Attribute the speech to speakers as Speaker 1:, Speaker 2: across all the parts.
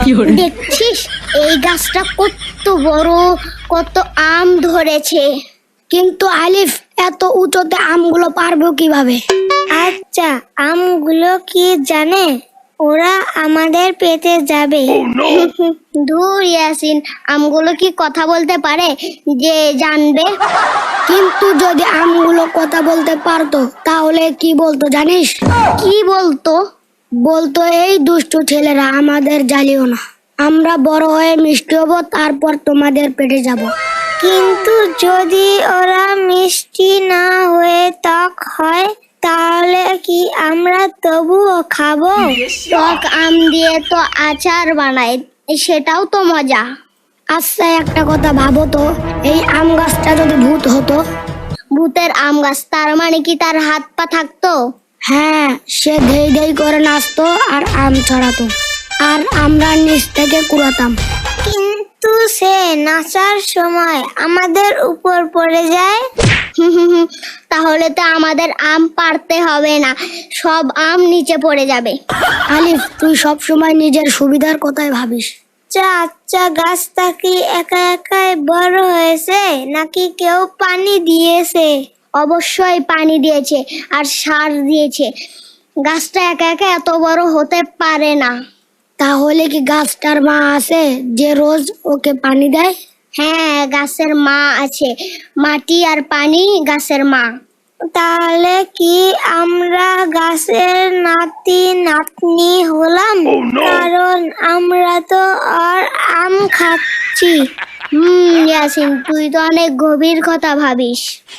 Speaker 1: দেখছিস এই গাছটা কত বড়, কত আম ধরেছে।
Speaker 2: কিন্তু আলিফ, এত উঁচুতে আমগুলো পারবো কিভাবে?
Speaker 1: আচ্ছা, আমগুলো কি জানে? ওরা আমাদের পেতে যাবে। ধুর ইয়াসিন, আমগুলো কি কথা বলতে পারে যে জানবে?
Speaker 2: কিন্তু যদি আমগুলো কথা বলতে পারতো তাহলে কি বলতো জানিস?
Speaker 1: কি বলতো?
Speaker 2: বলতো, এই দুষ্টু ছেলেরা, আমাদের জ্বালিও না, আমরা বড় হয়ে মিষ্টি হবো, তারপর তোমাদের পেটে যাব।
Speaker 1: কিন্তু যদি ওরা মিষ্টি না হয়ে টক হয়, তাহলে কি আমরা তবুও খাবো? টক আম দিয়ে তো আচার বানায়, সেটাও তো মজা।
Speaker 2: আচ্ছা, একটা কথা ভাবো তো, এই আম গাছটা যদি ভূত হতো?
Speaker 1: ভূতের আম গাছ, তার মানে কি তার হাত পা থাকতো?
Speaker 2: হ্যাঁ, সে ধেই ধেই করে নাচতো আর আম ছড়াতো, আর আমরা নিচ থেকে কুড়াতাম।
Speaker 1: কিন্তু সে নাচার সময় আমাদের উপর পড়ে যায়। তাহলে তো আমাদের আম পারতে হবে না, সব আম নিচে পড়ে যাবে।
Speaker 2: আলিফ, তুই সব সময় নিজের সুবিধার কথাই ভাবিস।
Speaker 1: আচ্ছা, গাছটা কি একা একাই বড় হয়েছে নাকি কেউ পানি দিয়েছে? অবশ্যই পানি দিয়েছে আর সার দিয়েছে। গাছটা একা একা এত বড় হতে পারে না।
Speaker 2: তাহলে কি গাছটার মা আছে যে রোজ ওকে পানি দেয়?
Speaker 1: হ্যাঁ, গাছের মা আছে, মাটি আর পানি গাছের মা। তাহলে কি আমরা গাছের নাতি নাতনি হলাম? কারণ আমরা তো আর আম খাচ্ছি। ইয়াসিন, তুই তো অনেক গভীর কথা ভাবিস।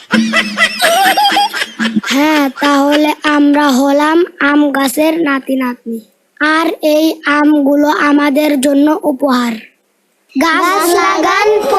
Speaker 2: হ্যাঁ, তাহলে আমরা হলাম আম গাছের নাতি নাতনি, আর এই আমগুলো আমাদের জন্য উপহার।
Speaker 1: গাছ লাগান,